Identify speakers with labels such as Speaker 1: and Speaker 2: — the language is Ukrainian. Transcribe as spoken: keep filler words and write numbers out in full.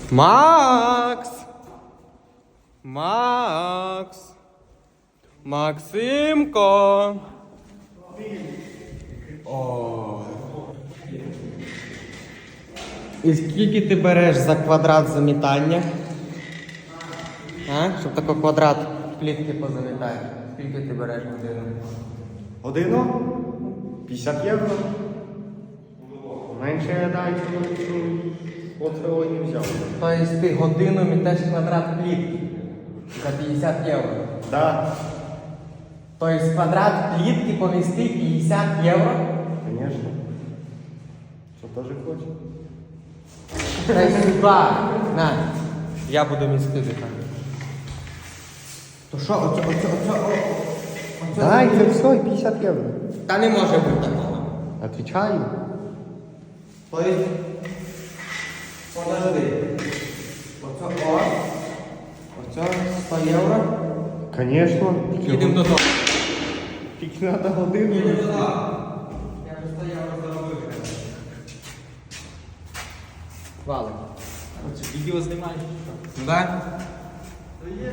Speaker 1: Макс! Макс! Максимко! О. І скільки ти береш за квадрат замітання? А? Щоб такий квадрат плітки позамітати. Скільки ти береш годину?
Speaker 2: Годину? п'ятдесят євро. Менше я дай, от цього не взяв.
Speaker 1: Тобто ти годину мітеш квадрат плітки за п'ятдесят євро.
Speaker 2: Да.
Speaker 1: Тобто квадрат плітки помістить п'ятдесят євро?
Speaker 2: Конечно. Що теж хоче?
Speaker 1: Дай сюди. На. Я буду містити так. То що, оце, оце, оце, о, оце.
Speaker 2: Дай, це все, і п'ятдесят євро.
Speaker 1: Та не може бути такого.
Speaker 2: Отвечаю.
Speaker 1: Тобто, подожди. Оце, о. Оце сто євро.
Speaker 2: Конечно.
Speaker 1: Їдемо додому.
Speaker 2: Тільки треба годину.
Speaker 1: Їдемо додому. Я вже сто євро заробив. Валик.
Speaker 3: Відео знімаєш?
Speaker 1: Да?